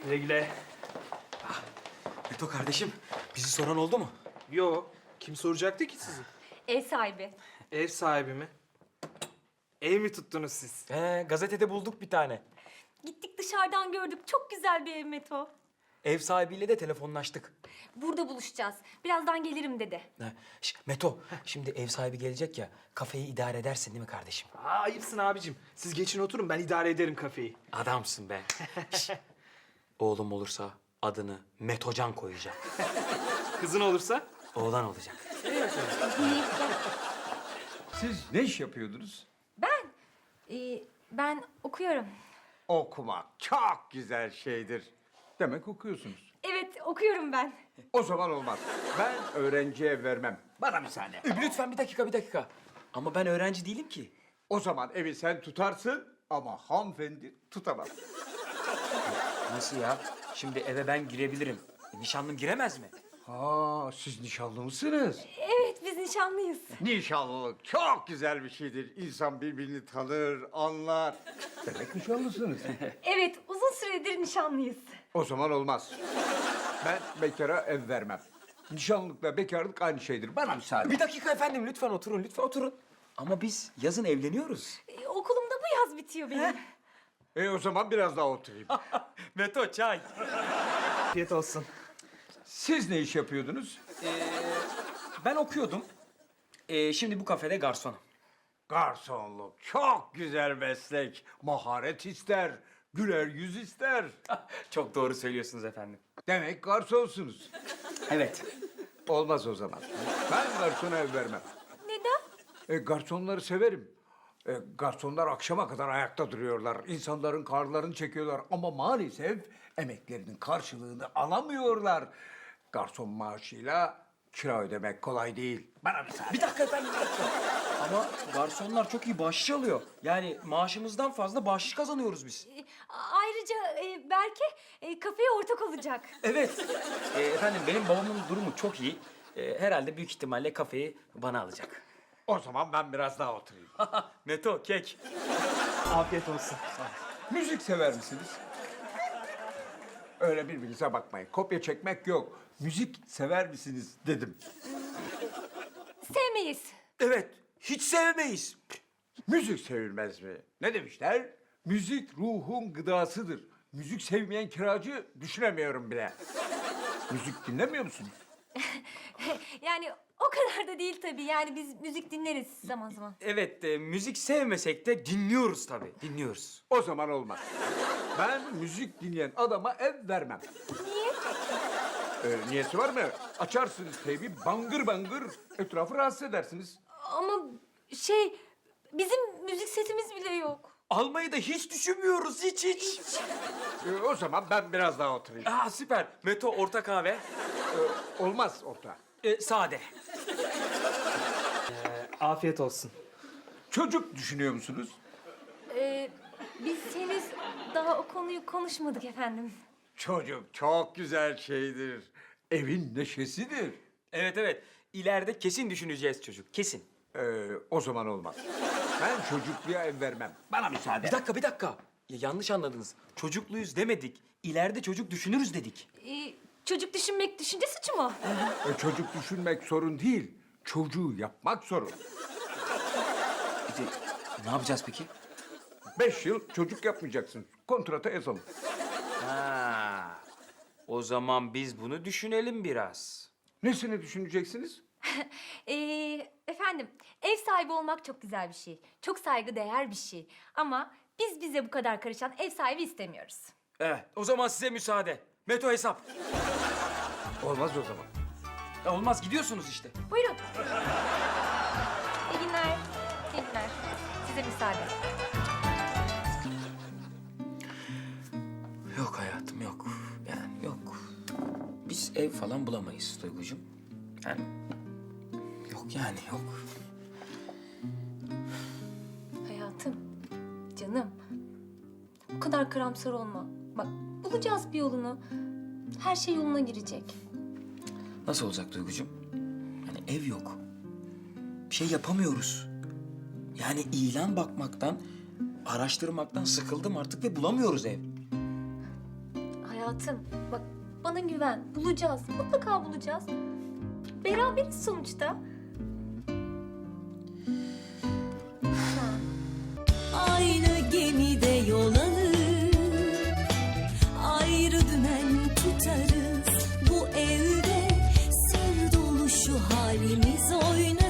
Güle güle. Beto kardeşim, bizi soran oldu mu? Yo, kim soracaktı ki sizi? Ev sahibi. Ev sahibi mi? Ev mi tuttunuz siz? Gazetede bulduk bir tane. Gittik dışarıdan gördük. Çok güzel bir ev Meto. Ev sahibiyle de telefonlaştık. Burada buluşacağız. Birazdan gelirim dedi. Meto, şimdi ev sahibi gelecek ya, kafeyi idare edersin değil mi kardeşim? Aa, ayıpsın abicim. Siz geçin oturun, ben idare ederim kafeyi. Adamsın be. Oğlum olursa adını Metocan koyacak. Kızın olursa? Oğlan olacak. Siz ne iş yapıyordunuz? Ben okuyorum. Okumak çok güzel şeydir. Demek okuyorsunuz. Evet, okuyorum ben. O zaman olmaz. Ben öğrenciye vermem. Bana müsaade. Lütfen bir dakika. Ama ben öğrenci değilim ki. O zaman evi sen tutarsın ama hanımefendi tutamaz. Nasıl ya? Şimdi eve ben girebilirim. Nişanlım giremez mi? Ha, siz nişanlı mısınız? Evet, biz nişanlıyız. Nişanlılık çok güzel bir şeydir. İnsan birbirini tanır, anlar. Demek nişanlısınız. Evet, uzun süredir nişanlıyız. O zaman olmaz. Ben bekara ev vermem. Nişanlılıkla bekarlık aynı şeydir. Bana müsaade. Bir dakika efendim, lütfen oturun. Ama biz yazın evleniyoruz. Okulum da bu yaz bitiyor benim. O zaman biraz daha oturayım. Meto, çay. Afiyet olsun. Siz ne iş yapıyordunuz? Ben okuyordum. Şimdi bu kafede garsonum. Garsonluk çok güzel meslek. Maharet ister, güler yüz ister. Çok doğru söylüyorsunuz efendim. Demek garsonsunuz. Evet. Olmaz o zaman. Ben garsona ev vermem. Neden? Garsonları severim. Garsonlar akşama kadar ayakta duruyorlar. İnsanların karlarını çekiyorlar. Ama maalesef emeklerinin karşılığını alamıyorlar. Garson maaşıyla kira ödemek kolay değil. Bana müsaade. Bir dakika efendim, bir dakika. Ama garsonlar çok iyi bahşiş alıyor. Yani maaşımızdan fazla bahşiş kazanıyoruz biz. Ayrıca Berke kafeye ortak olacak. Evet. Efendim benim babamın durumu çok iyi. Herhalde büyük ihtimalle kafeyi bana alacak. O zaman ben biraz daha oturayım. Meto, kek. Afiyet olsun. Müzik sever misiniz? Öyle birbirinize bakmayın. Kopya çekmek yok. Müzik sever misiniz dedim. Sevmeyiz. Evet, hiç sevmeyiz. Müzik sevilmez mi? Ne demişler? Müzik ruhun gıdasıdır. Müzik sevmeyen kiracı düşünemiyorum bile. Müzik dinlemiyor musunuz? Yani o kadar da değil tabii. Yani biz müzik dinleriz zaman zaman. Evet, müzik sevmesek de dinliyoruz tabii, dinliyoruz. O zaman olmaz. Ben müzik dinleyen adama ev vermem. Niye? Niyesi var mı? Açarsınız teybi bangır bangır etrafı rahatsız edersiniz. Ama bizim müzik setimiz bile yok. Almayı da hiç düşünmüyoruz, hiç. O zaman ben biraz daha oturayım. Aa, süper. Meto, orta kahve. Olmaz orta. Sade. Afiyet olsun. Çocuk düşünüyor musunuz? Biz henüz daha o konuyu konuşmadık efendim. Çocuk çok güzel şeydir. Evin neşesidir. Evet. İleride kesin düşüneceğiz çocuk, kesin. O zaman olmaz. Ben çocukluğa ev vermem. Bana müsaade. Bir dakika. Ya, yanlış anladınız. Çocukluyuz demedik. İleride çocuk düşünürüz dedik. Çocuk düşünmek düşünce suçu mu? Çocuk düşünmek sorun değil. Çocuğu yapmak sorun. Ne yapacağız peki? 5 yıl çocuk yapmayacaksın. Kontrata yazalım. Ha. O zaman biz bunu düşünelim biraz. Nesini düşüneceksiniz? Efendim, ev sahibi olmak çok güzel bir şey. Çok saygıdeğer bir şey. Ama biz bize bu kadar karışan ev sahibi istemiyoruz. Evet, o zaman size müsaade. Meto hesap. Olmaz o zaman. Olmaz, gidiyorsunuz işte. Buyurun. İyi günler. İyi günler. Size müsaade. Yok hayatım, yok. Yani yok. Biz ev falan bulamayız Duygucuğum. Yani yok. Hayatım, canım. Bu kadar karamsar olma. Bak, bulacağız bir yolunu. Her şey yoluna girecek. Nasıl olacak Duygucuğum? Yani ev yok. Bir şey yapamıyoruz. Yani ilan bakmaktan, araştırmaktan sıkıldım artık ve bulamıyoruz ev. Hayatım bak bana güven. Bulacağız. Mutlaka bulacağız. Beraberiz sonuçta. Aynı gemide yol alır, ayrı dümen tutarız. Bu evde sır dolu şu halimiz oynar.